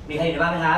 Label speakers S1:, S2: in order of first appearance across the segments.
S1: มีใครอยู่ในบ้านไหมครับ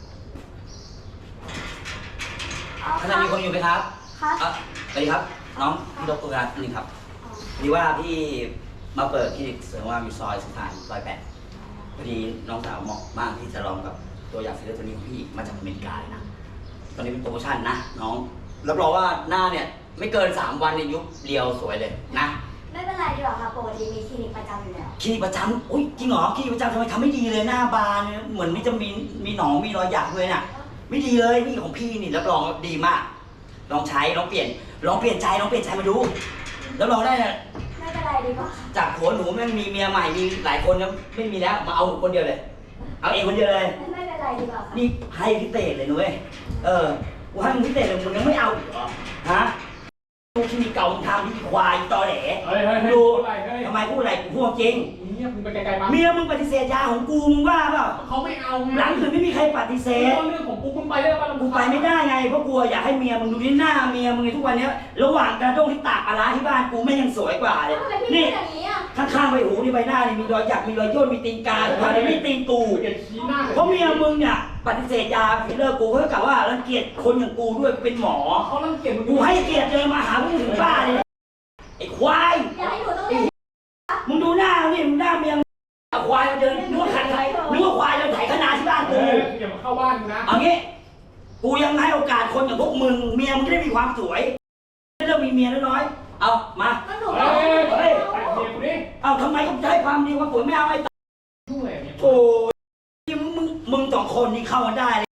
S1: ข้างในมีคนอยู่ไหมครับสวัสดีครับน้องพี่ดรครับนี่ครับพอดีว่าพี่มาเปิดคลินิกเสริมความงามอยู่ซอยสุพรรณ108พอดีน้องสาวเหมาะมากที่จะลองกับตัวอย่างฟิลเลอร์ตัวนี้ของพี่มาจากอเมริกาเลยนะตอนนี้เป็นโปรโมชั่นนะน้องรับรองว่าหน้าเนี่ยไม่เกิน3 วันเนี่ยยุบเรียวสวยเลยนะ
S2: ไม่เป็นไรดีกว่าค่ะปกติมีคลินิกประจำอยู่แล้ว
S1: คลินิกประจำอุ้ยจริงเหรอคลินิกประจำทำไมทำไม่ดีเลยหน้าบานเนี่ยเหมือนมีจะมีหนองมีรอยหยักด้วยน่ะไม่ดีเลยนี่ของพี่นี่รับรองดีมากลองใช้ลองเปลี่ยนใจมาดูแล้วลองได้เนี่ย
S2: ไม่เป็นไรดีกว่า
S1: จากผัวหนูแม่งมีเมียใหม่มีหลายคนแล้วไม่มีแล้วมาเอาหนูคนเดียวเลยเอาเองคนเดียวเลย
S2: ไม่เป็นไรดีกว่าค่ะ
S1: นี่ให้พิเศษเลยนุ้ยกูให้มึงพิเศษเลยมึงยังไม่เอาอีกเหรอฮะลูกที่มีเก่ามึงทำที่ควายตอแหลดูทำไมพูดอะไรกูพูดจริง
S3: เมียมึงไปไกลๆมา
S1: เมียมึงปฏิเสธยาของกูมึงว่าเปล่า
S3: เขาไม่เอาไง
S1: หลังอื่นไม่มีใครปฏิเสธ
S3: เรื่องของกูมึงไปได้ป่ะ
S1: กูไปไม่ได้ไงเพราะกลัวอยากให้เมียมึงดูที่หน้าเมียมึงในทุกวันนี้ระหว่างกระด้งที่ตากปลาร้าที่บ้านกูไม่ยังสวยกว่าเลยนี่ข้างๆใบหูนี่ใบหน้านี่มีรอยหยักมีรอยย่นมีตีนกาทุกวันนี้ไม่ตีนกูเพราะเมียมึงเนี่ยปฏิเสธยาฟิลเลอร์กูเขากล่าวว่ารังเกียจคนอย่างกูด้วยเป็นหมอ
S3: เขารังเกียจ
S1: กูให้เกียรติเลยมาหามึงถึงบ้านเลยไอ้ควาย
S2: อย่าให้หนูต้องเล่น
S1: มึงดูหน้านี่มึงหน้าเมียควายมาเดินนึกว่าควายเดินไถขนาที่บ้านกู
S3: อย่ามาเข้าบ้านกูนะ
S1: เอางี้กูยังให้โอกาสคนอย่างพวกมึงเมียมึงจะได้มีความสวยไม่ต้องมีเมียน้อยๆเอามา
S3: เฮ้ย
S1: เอาทำไมต้องใช้ความดีความสวยไม่เอาไอ้ตาโอ้ยมึง2 คนนี่เข้ามาได้เลย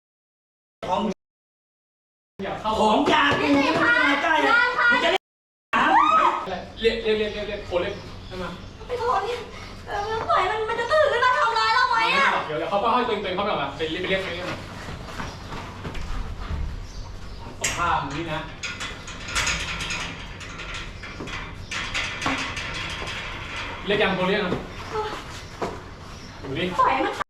S1: ของยากูไม่มาใกล้เลยมึงจะเล่น
S3: เรียกโคเล่นใช่ไหม
S2: ไปโทษนี่มันปล่อยมันจะตื่นขึ้นมาทำร้ายเราไหมอ่ะ
S3: เดี๋ยวเขาป้าให้ตัวเองเขาแบบไปเรียกนี่นะสัมภาษณ์นี่นะเรียกยังโคเรียกนะดูดิ
S2: ปล่อยมัน